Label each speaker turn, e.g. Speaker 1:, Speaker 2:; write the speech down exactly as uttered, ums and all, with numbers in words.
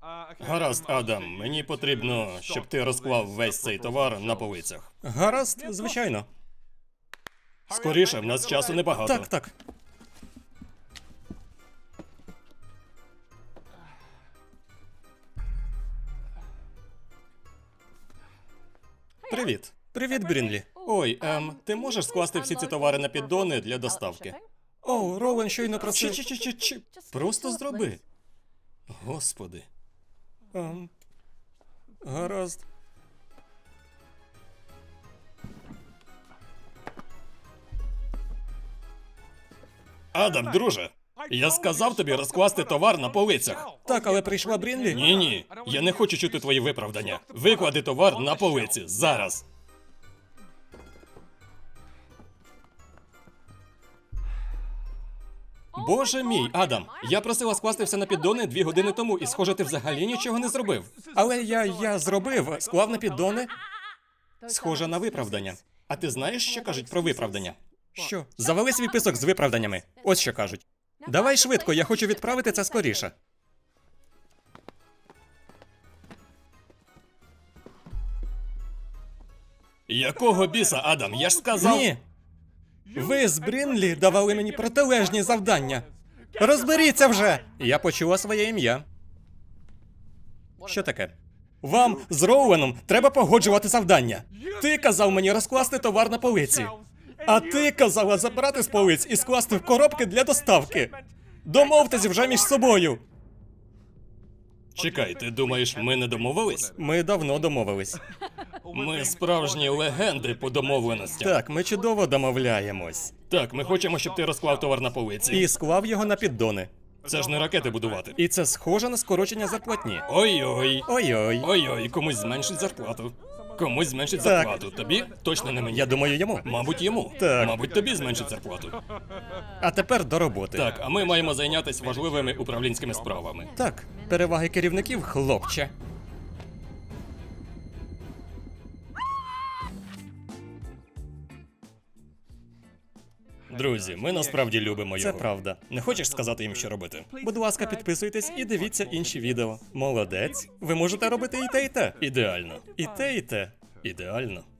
Speaker 1: Гаразд, Адам, мені потрібно, щоб ти розклав весь цей товар на полицях.
Speaker 2: Гаразд, звичайно.
Speaker 1: Скоріше, в нас часу небагато.
Speaker 2: Так, так. Привіт. Привіт, Брінлі.
Speaker 1: Ой, ем, ти можеш скласти всі ці товари на піддони для доставки?
Speaker 2: О, Роуен щойно просив...
Speaker 1: Чи-чи-чи-чи-чи, просто зроби. Господи.
Speaker 2: Ем, гаразд.
Speaker 1: Адам, друже, я сказав тобі розкласти товар на полицях.
Speaker 2: Так, але прийшла Брінлі?
Speaker 1: Ні-ні, я не хочу чути твої виправдання. Виклади товар на полиці, зараз. Боже мій, Адам, я просила скласти все на піддони дві години тому, і схоже, ти взагалі нічого не зробив.
Speaker 2: Але я, я зробив, склав на піддони.
Speaker 1: Схоже на виправдання. А ти знаєш, що кажуть про виправдання?
Speaker 2: Що? Завали свій писок з виправданнями. Ось що кажуть. Давай швидко, я хочу відправити це скоріше.
Speaker 1: Якого біса, Адам? Я ж сказав.
Speaker 2: Ні. Ви з Брінлі давали мені протилежні завдання. Розберіться вже! Я почула своє ім'я. Що таке? Вам з Роуеном треба погоджувати завдання. Ти казав мені розкласти товар на полиці. А ти казала забрати з полиць і скласти в коробки для доставки. Домовтесь вже між собою.
Speaker 1: Чекай, ти думаєш, ми не домовились?
Speaker 2: Ми давно домовились.
Speaker 1: Ми справжні легенди по домовленостям.
Speaker 2: Так, ми чудово домовляємось.
Speaker 1: Так, ми хочемо, щоб ти розклав товар на полиці.
Speaker 2: І склав його на піддони.
Speaker 1: Це ж не ракети будувати.
Speaker 2: І це схоже на скорочення зарплатні.
Speaker 1: Ой-ой.
Speaker 2: Ой-ой.
Speaker 1: Ой-ой, комусь зменшить зарплату. Комусь зменшить
Speaker 2: Так.
Speaker 1: зарплату. Тобі? Точно не мені.
Speaker 2: Я думаю, йому.
Speaker 1: Мабуть, йому.
Speaker 2: Так.
Speaker 1: Мабуть, тобі зменшить зарплату.
Speaker 2: А тепер до роботи.
Speaker 1: Так, а ми маємо зайнятися важливими управлінськими справами.
Speaker 2: Так, переваги керівників, хлопче.
Speaker 1: Друзі, ми насправді любимо
Speaker 2: Це
Speaker 1: його.
Speaker 2: правда.
Speaker 1: Не хочеш сказати їм, що робити?
Speaker 2: Будь ласка, підписуйтесь і дивіться інші відео. Молодець. Ви можете робити і те, і те.
Speaker 1: Ідеально.
Speaker 2: І те, і те.
Speaker 1: Ідеально.